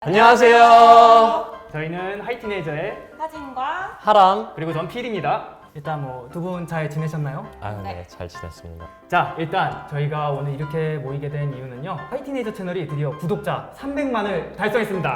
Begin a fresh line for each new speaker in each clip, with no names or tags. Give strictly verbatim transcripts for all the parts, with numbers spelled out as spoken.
안녕하세요.
저희는 하이티네이저의
하진과
하람.
그리고 전 필입니다. 일단 뭐 두 분 잘 지내셨나요?
아, 네,
네.
잘 지냈습니다.
자, 일단 저희가 오늘 이렇게 모이게 된 이유는요. 하이티네이저 채널이 드디어 구독자 삼백만을 달성했습니다.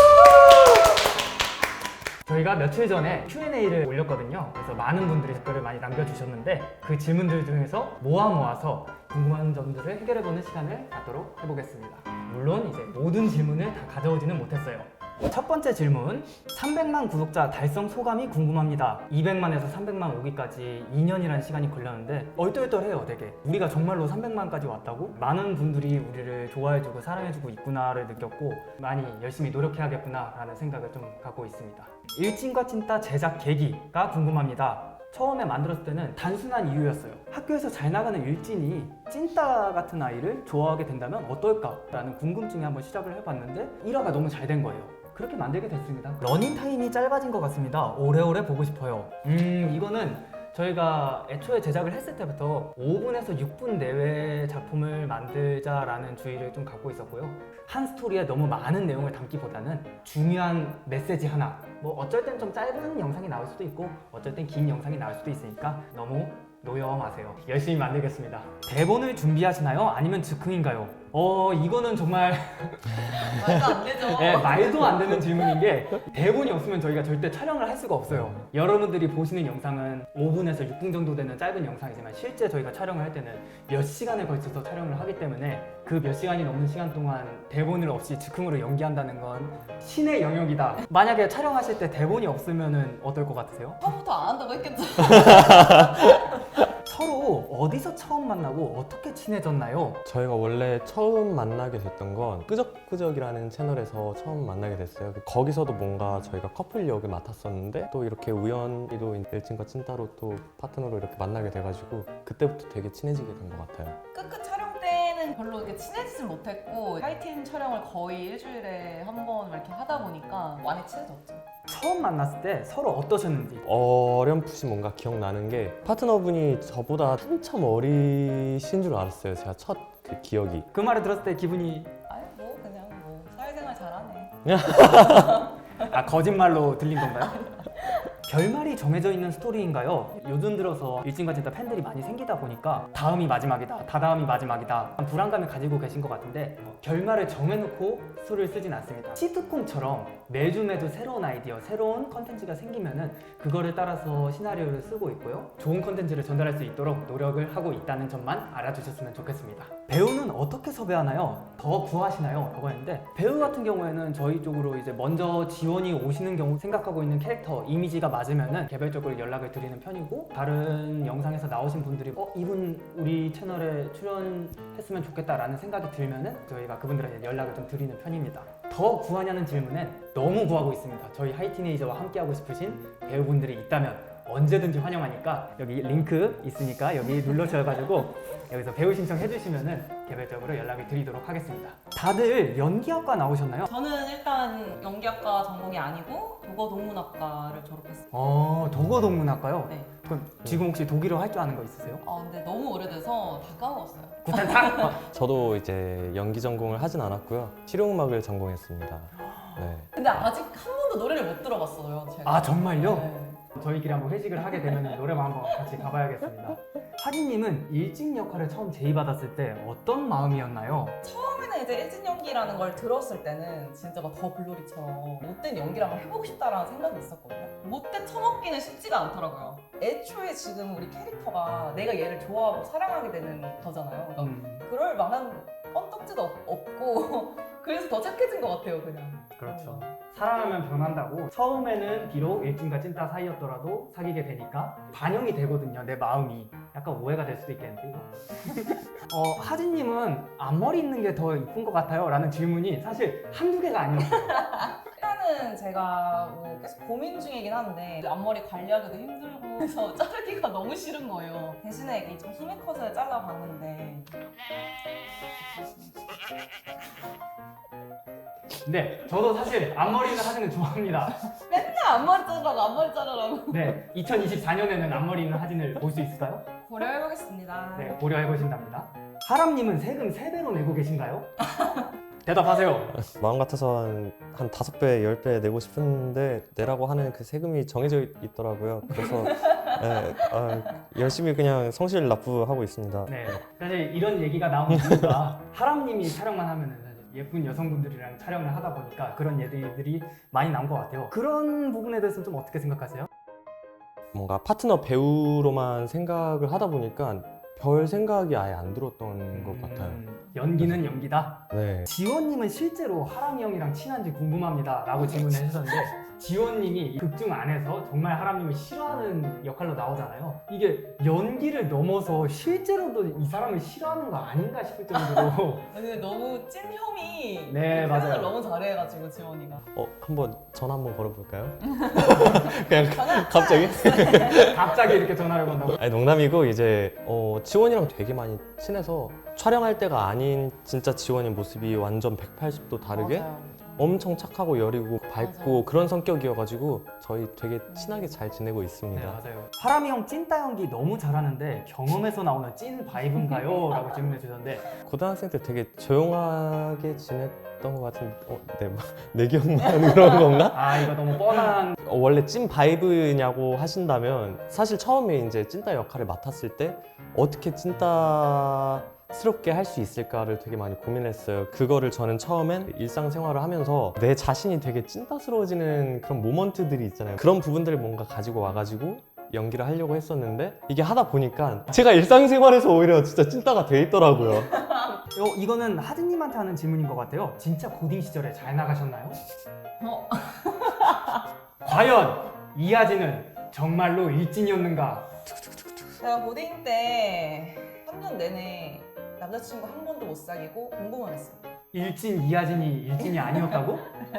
저희가 며칠 전에 큐 앤 에이를 올렸거든요. 그래서 많은 분들이 댓글을 많이 남겨주셨는데 그 질문들 중에서 모아 모아서 궁금한 점들을 해결해보는 시간을 갖도록 해보겠습니다. 물론 이제 모든 질문을 다 가져오지는 못했어요. 첫 번째 질문, 삼백만 구독자 달성 소감이 궁금합니다. 이백만에서 삼백만 오기까지 이 년이라는 시간이 걸렸는데 얼떨떨해요 되게. 우리가 정말로 삼백만까지 왔다고? 많은 분들이 우리를 좋아해주고 사랑해주고 있구나를 느꼈고 많이 열심히 노력해야겠구나 라는 생각을 좀 갖고 있습니다. 일진과 찐따 제작 계기가 궁금합니다. 처음에 만들었을 때는 단순한 이유였어요. 학교에서 잘 나가는 일진이 찐따 같은 아이를 좋아하게 된다면 어떨까? 라는 궁금증에 한번 시작을 해봤는데 일 화가 너무 잘 된 거예요. 그렇게 만들게 됐습니다. 러닝타임이 짧아진 것 같습니다. 오래오래 보고 싶어요. 음 이거는 저희가 애초에 제작을 했을 때부터 오 분에서 육 분 내외의 작품을 만들자라는 주의를 좀 갖고 있었고요. 한 스토리에 너무 많은 내용을 담기보다는 중요한 메시지 하나, 뭐 어쩔 땐 좀 짧은 영상이 나올 수도 있고 어쩔 땐 긴 영상이 나올 수도 있으니까 너무 노여 마세요. 열심히 만들겠습니다. 대본을 준비하시나요? 아니면 즉흥인가요? 어 이거는 정말
말도 안 되죠.
네, 말도 안 되는 질문인 게 대본이 없으면 저희가 절대 촬영을 할 수가 없어요. 여러분들이 보시는 영상은 오 분에서 육 분 정도 되는 짧은 영상이지만 실제 저희가 촬영을 할 때는 몇 시간에 걸쳐서 촬영을 하기 때문에 그 몇 시간이 넘는 시간 동안 대본을 없이 즉흥으로 연기한다는 건 신의 영역이다. 만약에 촬영하실 때 대본이 없으면 어떨 것 같으세요?
처음부터 안 한다고 했겠죠.
서로 어디서 처음 만나고 어떻게 친해졌나요?
저희가 원래 처음 만나게 됐던 건 끄적끄적이라는 채널에서 처음 만나게 됐어요. 거기서도 뭔가 저희가 커플 역을 맡았었는데 또 이렇게 우연히도 일진과 찐따로 또 파트너로 이렇게 만나게 돼가지고 그때부터 되게 친해지게 된 것 같아요.
끝끝 촬영 때는 별로 이렇게 친해지진 못했고 하이틴 촬영을 거의 일주일에 한 번 이렇게 하다 보니까 많이 친해졌죠.
처음 만났을 때 서로 어떠셨는지.
어렴풋이 뭔가 기억나는 게 파트너분이 저보다 한참 어리신 줄 알았어요. 제가 첫 그 기억이.
그 말을 들었을 때 기분이
아니 뭐 그냥 뭐 사회생활 잘하네.
아 거짓말로 들린 건가요? 결말이 정해져 있는 스토리인가요? 요즘 들어서 일진과 찐따 팬들이 많이 생기다 보니까 다음이 마지막이다, 다다음이 마지막이다 불안감을 가지고 계신 것 같은데 어, 결말을 정해놓고 수를 쓰진 않습니다. 시트콤처럼 매주 매주 새로운 아이디어, 새로운 컨텐츠가 생기면은 그거를 따라서 시나리오를 쓰고 있고요. 좋은 컨텐츠를 전달할 수 있도록 노력을 하고 있다는 점만 알아주셨으면 좋겠습니다. 배우는 어떻게 섭외하나요? 더 구하시나요? 라고 했는데 배우 같은 경우에는 저희 쪽으로 이제 먼저 지원이 오시는 경우 생각하고 있는 캐릭터 이미지가 맞으면은 개별적으로 연락을 드리는 편이고 다른 영상에서 나오신 분들이 어 이분 우리 채널에 출연했으면 좋겠다라는 생각이 들면은 저희가 그분들에게 연락을 좀 드리는 편입니다. 더 구하냐는 질문엔 너무 구하고 있습니다. 저희 하이티네이저와 함께하고 싶으신 배우분들이 있다면 언제든지 환영하니까 여기 링크 있으니까 여기 눌러주셔가지고 여기서 배우 신청해 주시면은 개별적으로 연락을 드리도록 하겠습니다. 다들 연기학과 나오셨나요?
저는 일단 연기학과 전공이 아니고 도거동문학과를 졸업했어요.
어 도거동문학과요?
네.
그럼 지금 혹시 독일어 할 줄 아는 거 있으세요?
아 근데 너무 오래돼서 다 까먹었어요.
구탄탁!
저도 이제 연기 전공을 하진 않았고요. 실용음악을 전공했습니다. 네.
근데 아직 한 번도 노래를 못 들어봤어요. 제가.
아 정말요?
네.
저희끼리 한번 회식을 하게 되면 노래방 한번 같이 가봐야겠습니다. 하진님은 일진 역할을 처음 제의받았을 때 어떤 마음이었나요?
처음에는 이제 일진 연기라는 걸 들었을 때는 진짜 막 더 글로리처럼 못된 연기를 한번 해보고 싶다라는 생각이 있었거든요. 못돼 처먹기는 쉽지가 않더라고요. 애초에 지금 우리 캐릭터가 내가 얘를 좋아하고 사랑하게 되는 거잖아요. 그러니까
음,
그럴 만한 뻔떡지도 없- 없고 그래서 더 착해진 것 같아요, 그냥.
그렇죠. 사랑하면 변한다고 처음에는 비록 일진과 찐따 사이였더라도 사귀게 되니까 반영이 되거든요, 내 마음이. 약간 오해가 될 수도 있겠는데 이거. 어, 하진님은 앞머리 있는 게 더 이쁜 것 같아요 라는 질문이 사실 한두 개가 아니었어요.
일단은 제가 뭐 계속 고민 중이긴 한데 앞머리 관리하기도 힘들고 해서 자르기가 너무 싫은 거예요. 대신에 이게 좀 힘의 컷을 잘라봤는데
네, 저도 사실 앞머리 있는 하진을 좋아합니다.
맨날 앞머리 자르라고 앞머리 자르라고
네, 이천이십사 년에는 앞머리 있는 하진을 볼 수 있을까요?
고려해보겠습니다.
네, 고려해보신답니다. 하람님은 세금 세 배로 내고 계신가요? 대답하세요.
마음 같아서 한, 한 다섯 배, 열 배 내고 싶은데 내라고 하는 그 세금이 정해져 있더라고요. 그래서 네, 아, 열심히 그냥 성실 납부하고 있습니다.
네, 사실 이런 얘기가 나온 이유가 하람님이 촬영만 하면은 사실 예쁜 여성분들이랑 촬영을 하다 보니까 그런 얘기들이 많이 나온 것 같아요. 그런 부분에 대해서는 좀 어떻게 생각하세요?
뭔가 파트너 배우로만 생각을 하다 보니까 별 생각이 아예 안 들었던 것 같아요.
음, 연기는 연기다.
네.
지원님은 실제로 하람이 형이랑 친한지 궁금합니다 라고 질문을 해주셨는데 지원님이 극중 안에서 정말 하람님을 싫어하는 역할로 나오잖아요. 이게 연기를 넘어서 실제로도 이 사람을 싫어하는 거 아닌가 싶을 정도로
근데 너무 찐 형이
네,
그
맞아요.
표현을 너무 잘해가지고 지원이가.
어, 한번 전화 한번 걸어볼까요? 그냥 갑자기?
갑자기 이렇게 전화를 건다고.
아니 농담이고 이제 어, 지원이랑 되게 많이 친해서 촬영할 때가 아닌 진짜 지원의 모습이 완전 백팔십 도 다르게
맞아요.
엄청 착하고 여리고 밝고
맞아요.
그런 성격이어가지고 저희 되게 친하게 잘 지내고
네,
있습니다.
맞아요. 하람이 형 찐따 연기 너무 잘하는데 경험에서 나오는 찐 바이브인가요? 라고 질문해 주셨는데
고등학생 때 되게 조용하게 지냈던 것 같은데 어, 네, 막 내 기억만 그런 건가?
아 이거 너무 뻔한
어, 원래 찐 바이브냐고 하신다면 사실 처음에 이제 찐따 역할을 맡았을 때 어떻게 찐따스럽게 할 수 있을까를 되게 많이 고민했어요. 그거를 저는 처음엔 일상생활을 하면서 내 자신이 되게 찐따스러워지는 그런 모먼트들이 있잖아요. 그런 부분들을 뭔가 가지고 와가지고 연기를 하려고 했었는데 이게 하다 보니까 제가 일상생활에서 오히려 진짜 찐따가 돼 있더라고요.
어, 이거는 하진님한테 하는 질문인 것 같아요. 진짜 고딩 시절에 잘 나가셨나요?
어,
과연 이하진은 정말로 일진이었는가?
제가 고딩 때 삼 년 내내 남자친구 한 번도 못 사귀고 공부만 했습니다.
일진 이하진이 일진이 아니었다고?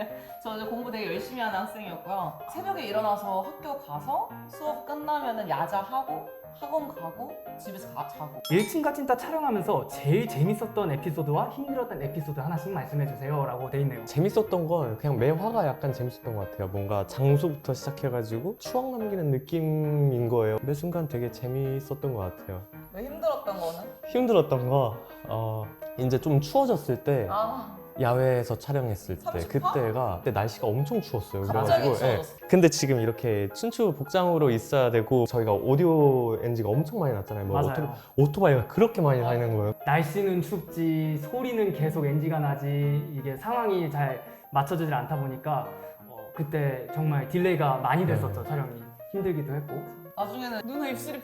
저 이제 공부 되게 열심히 하는 학생이었고요. 새벽에 일어나서 학교 가서 수업 끝나면은 야자하고 학원 가고 집에서 가, 자고.
일진과 찐따 촬영하면서 제일 재밌었던 에피소드와 힘들었던 에피소드 하나씩 말씀해 주세요 라고 돼 있네요.
재밌었던 건 그냥 매화가 약간 재밌었던 것 같아요. 뭔가 장소부터 시작해가지고 추억 남기는 느낌인 거예요. 매 순간 되게 재밌었던 것 같아요.
왜 힘들었던 거는?
힘들었던 거 어, 이제 좀 추워졌을 때
아,
야외에서 촬영했을 때
삼십 도?
그때가 그때 날씨가 엄청 추웠어요.
갑자기
예.
추워졌어.
근데 지금 이렇게 춘추 복장으로 있어야 되고 저희가 오디오 엔지가 엄청 많이 났잖아요. 뭐
맞아요.
오토, 오토바이가 그렇게 많이 다니는 거예요.
날씨는 춥지 소리는 계속 엔지가 나지 이게 상황이 잘 맞춰지질 않다 보니까 어, 그때 정말 딜레이가 많이 됐었죠. 촬영이 힘들기도 했고
나중에는 눈에 입술이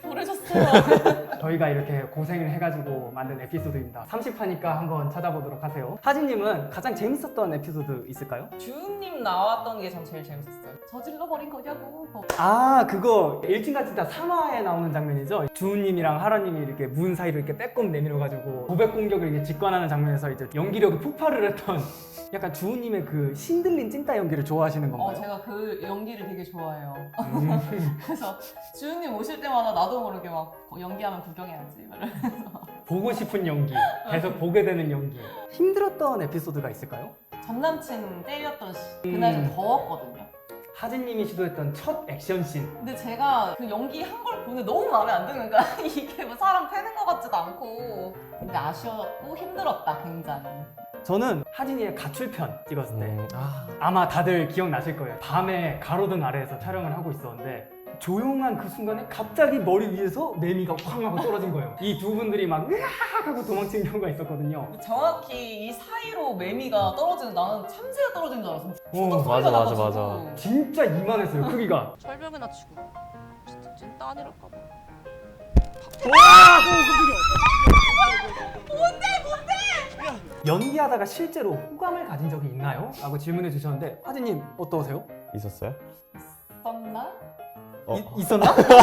보래졌어요.
저희가 이렇게 고생을 해가지고 만든 에피소드입니다. 삼십 화니까 한번 찾아보도록 하세요. 하진님은 가장 재밌었던 에피소드 있을까요?
주은님 나왔던 게 전 제일 재밌었어요. 저질러버린 거냐고.
아 그거 일진과 찐따 삼 화에 나오는 장면이죠. 주우님이랑 하라님이 이렇게 문 사이로 이렇게 빼꼼 내밀어가지고 고백 공격을 이제 직관하는 장면에서 이제 연기력이 폭발을 했던 약간 주우님의 그 신들린 찐따 연기를 좋아하시는
어,
건가요?
제가 그 연기를 되게 좋아해요.
음.
그래서 주은님 오실 때마다 나도 모르게 막 연기하면 구경해야지. 막 이러면서.
보고 싶은 연기, 계속 보게 되는 연기. 힘들었던 에피소드가 있을까요?
전 남친 때렸던 시. 그날 좀
음.
더웠거든요.
하진님이 시도했던 첫 액션씬.
근데 제가 그 연기 한 걸 보는데 너무 마음에 안 드는 거야. 이게 뭐 사람 패는 것 같지도 않고. 근데 아쉬웠고 힘들었다, 굉장히.
저는 하진이의 가출편 찍었을 때
음, 아,
아마 다들 기억나실 거예요. 밤에 가로등 아래에서 촬영을 하고 있었는데 조용한 그 순간에 갑자기 머리 위에서 매미가 쾅 하고 떨어진 거예요. 이 두 분들이 막 으악 하고 도망친 경우가 있었거든요.
정확히 이 사이로 매미가 떨어지는 나는 참새가 떨어진 줄 알았어.
오,
추적
맞아,
소리가
맞아,
나가지고.
맞아.
진짜 이만했어요, 크기가.
철벽이나 치고 진짜 찐따 아니랄까 봐.
연기하다가 실제로 호감을 가진 적이 있나요? 라고 질문해 주셨는데 하진님 어떠세요?
있었어요?
썼나?
어.
이- 있었나?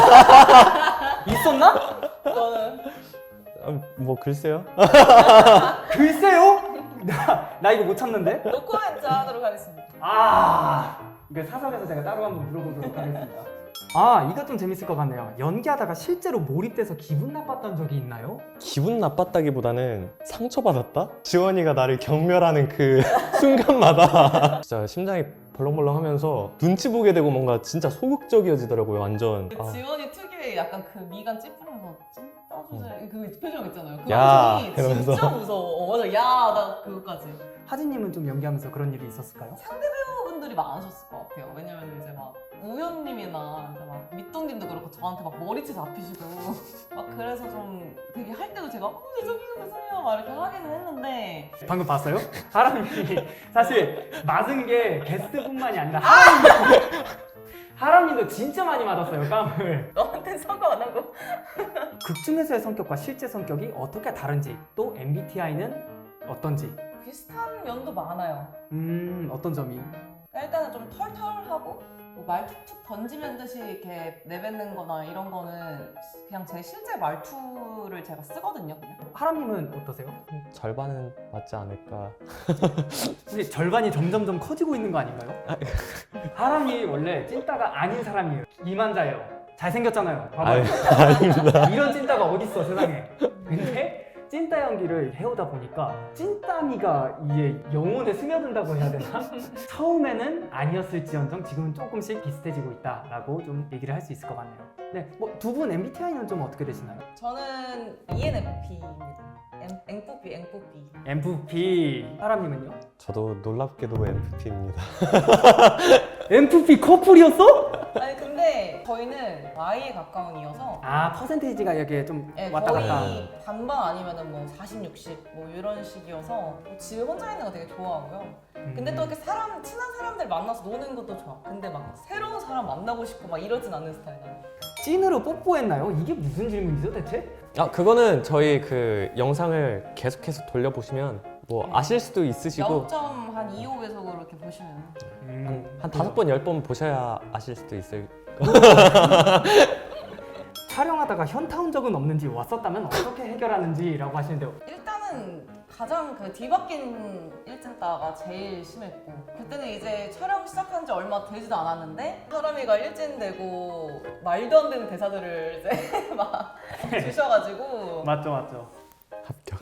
있었나?
너는?
아, 뭐 글쎄요.
글쎄요? 나, 나 이거 못 참는데?
노코멘트 하도록 하겠습니다.
아 이거 사석에서 제가 따로 한번 물어보도록 하겠습니다. 아 이거 좀 재밌을 것 같네요. 연기하다가 실제로 몰입돼서 기분 나빴던 적이 있나요?
기분 나빴다기보다는 상처받았다? 지원이가 나를 경멸하는 그 순간마다 진짜 심장이 벌렁벌렁하면서 눈치 보게 되고 뭔가 진짜 소극적이어지더라고요, 완전.
그
아.
지원이 특유의 약간 그 미간 찌푸리면서 찐따 주제 그 표정 있잖아요. 그
야,
표정이
이러면서.
진짜 무서워. 어, 맞아. 야, 나 그거까지.
하진님은 좀 연기하면서 그런 일이 있었을까요?
분들이 많으셨을 것 같아요. 왜냐면 이제 막 우연님이나 이제 막 밑동님도 그렇고 저한테 막 머리채 잡히시고 막 그래서 좀 되게 할 때도 제가 어 죄송해요 죄송해요 막 이렇게 하기는 했는데
방금 봤어요? 하람이 사실 맞은 게 게스트뿐만이 아니라 하람이도 하람이도 진짜 많이 맞았어요 깜을.
너한테 사과 안 하고
극 중에서의 성격과 실제 성격이 어떻게 다른지 또 엠비티아이는 어떤지
비슷한 면도 많아요.
음 어떤 점이?
일단은 좀 털털하고 뭐 말 툭툭 던지면 듯이 이렇게 내뱉는 거나 이런 거는 그냥 제 실제 말투를 제가 쓰거든요. 그냥.
하람님은 어떠세요?
절반은 맞지 않을까.
근데 절반이 점점점 커지고 있는 거 아닌가요? 하람이 원래 찐따가 아닌 사람이에요. 이만자예요. 잘생겼잖아요. 봐봐요.
아유, 아닙니다.
이런 찐따가 어딨어 세상에. 근데 찐따 연기를 해오다 보니까 찐따미가 이게 영혼에 스며든다고 해야 되나? 처음에는 아니었을지언정 지금은 조금씩 비슷해지고 있다라고 좀 얘기를 할 수 있을 것 같네요. 네, 뭐 두 분 엠비티아이는 좀 어떻게 되시나요?
저는 이엔에프피입니다. 엠프피, 엠프피.
엠프피. 하람님은요?
저도 놀랍게도 엠프피입니다.
엠프피 커플이었어?
아니 근데 저희는 Y에 가까운 이어서
아 퍼센테이지가 이게 좀
네,
왔다 갔다.
거의 반반 아니면은 뭐 사십, 육십 뭐 이런 식이어서 집에 혼자 있는 거 되게 좋아하고요. 근데 또 이렇게 사람 친한 사람들 만나서 노는 것도 좋아. 근데 막 새로운 사람 만나고 싶고 막 이러진 않는 스타일이에요.
찐으로 뽀뽀했나요? 이게 무슨 질문이죠 대체?
아 그거는 저희 그 영상을 계속해서 돌려보시면 뭐 아실 수도 있으시고
영 점 이오 배속으로 이렇게 보시면
음,
한 다섯 번 열 번 보셔야 아실 수도 있을.
촬영하다가 현타 온 적은 없는지 왔었다면 어떻게 해결하는지라고 하시는데요.
일단은 가장 그 뒤바뀐 일진따가 제일 심했고 그때는 이제 촬영 시작한 지 얼마 되지도 않았는데 사람이가 일진되고 말도 안 되는 대사들을 이제 막 주셔가지고
맞죠 맞죠.
합격.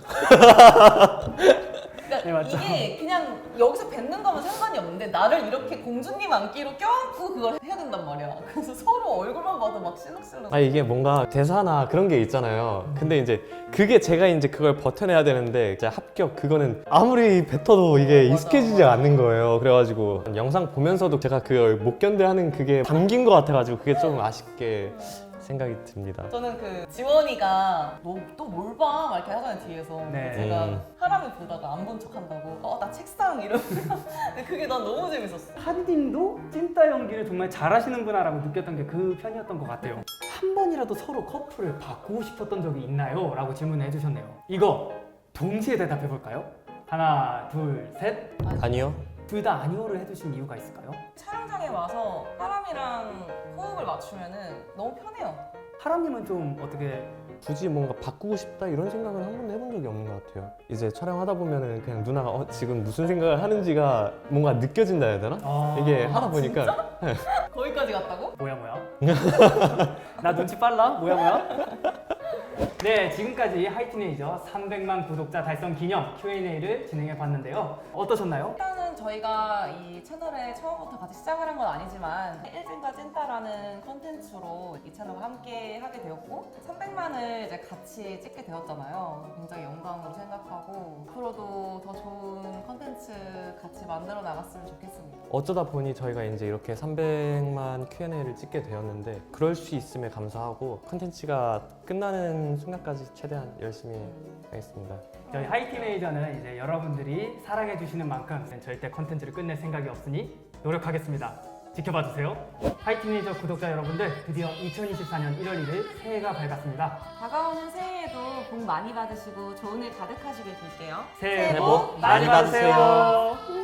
그러니까
네, 맞죠.
이게 그냥 여기서 뱉는 거면 상관이 없는데 나를 이렇게 공주님 안기로 껴안고 그걸 해야 된단 말이야. 그래서 서로 얼굴만 봐도 막 실룩실룩.
아 이게 뭔가 대사나 그런 게 있잖아요. 근데 이제 그게 제가 이제 그걸 버텨내야 되는데 이제 합격 그거는 아무리 뱉어도 이게
맞아,
익숙해지지
맞아.
않는 거예요. 그래가지고 영상 보면서도 제가 그걸 못 견뎌하는 그게 담긴 것 같아가지고 그게 좀 아쉽게 생각이 듭니다.
저는 그 지원이가 너 또 뭘 봐? 막 이렇게 하잖아요 뒤에서.
네.
제가
음.
사람을 보다가 안 본 척한다고. 어 나 책상 이러면서. 근데 그게 난 너무 재밌었어.
하디님도 찐따 연기를 정말 잘하시는구나라고 느꼈던 게 그 편이었던 것 같아요. 한 번이라도 서로 커플을 바꾸고 싶었던 적이 있나요? 라고 질문을 해주셨네요. 이거 동시에 대답해 볼까요? 하나, 둘, 셋.
아니요.
둘 다 아니오를 해주신 이유가 있을까요?
촬영장에 와서 사람이랑 호흡을 맞추면은 너무 편해요.
하람님은 좀 어떻게
굳이 뭔가 바꾸고 싶다 이런 생각은 한 번도 해본 적이 없는 것 같아요. 이제 촬영하다 보면은 그냥 누나가 어, 지금 무슨 생각을 하는지가 뭔가 느껴진다 해야 되나?
아,
이게 하다 보니까
거기까지 갔다고?
뭐야 뭐야? 나 눈치 빨라? 뭐야 뭐야? 네, 지금까지 하이티네이저 삼백만 구독자 달성 기념 큐 앤 에이를 진행해 봤는데요. 어떠셨나요?
일단은 저희가 이 채널에 처음부터 같이 시작을 한 건 아니지만 일진과 찐따라는 컨텐츠로 이 채널과 함께 하게 되었고 삼백만을 이제 같이 찍게 되었잖아요. 굉장히 영광으로 생각하고 앞으로도 더 좋은 컨텐츠 같이 만들어 나갔으면 좋겠습니다.
어쩌다 보니 저희가 이제 이렇게 삼백만 큐 앤 에이를 찍게 되었는데 그럴 수 있음에 감사하고 컨텐츠가 끝나는 순간까지 최대한 열심히 하겠습니다.
저희 하이티네이저는 이제 여러분들이 사랑해 주시는 만큼 절대 컨텐츠를 끝낼 생각이 없으니 노력하겠습니다. 지켜봐 주세요. 하이티네이저 구독자 여러분들, 드디어 이천이십사 년 일월 일일 새해가 밝았습니다.
다가오는 새해에도 복 많이 받으시고 좋은 일 가득하시길 빌게요.
새해
복
복 많이
많이 받으세요.
받으세요.